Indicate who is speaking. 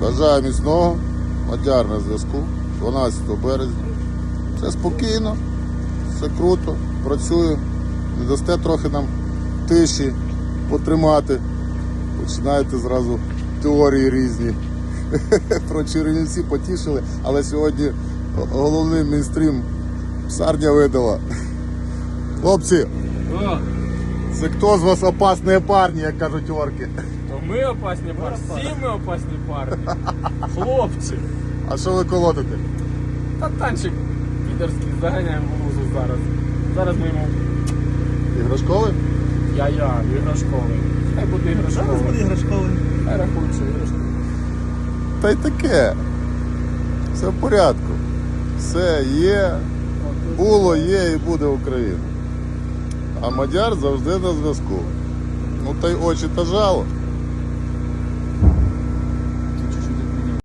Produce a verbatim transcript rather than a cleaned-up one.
Speaker 1: Бажаю міцного. Мадяр на зв'язку. дванадцятого березня. Все спокійно, все круто, працюю. Не дасте трохи нам тиші потримати. Починаєте зразу теорії різні. Про Чернівці потішили, але сьогодні головний мейнстрім псарня видала. Хлопці,
Speaker 2: О,
Speaker 1: це хто з вас опасні парні, як кажуть орки?
Speaker 2: то ми опасні парні, всі ми опасні парні. Хлопці.
Speaker 1: А що ви колотите?
Speaker 2: Та танчик підерський, заганяємо в лузу зараз. Зараз ми йому
Speaker 1: Іграшковий?
Speaker 2: я-я, іграшковий. Хай буде іграшковий.
Speaker 3: Зараз буде іграшковий.
Speaker 2: Хай рахують, що іграшковий.
Speaker 1: Та й таке. Все в порядку. Все є, було, є і буде Україна. А Мадяр завжди на зв'язку. Ну та й очі та жало.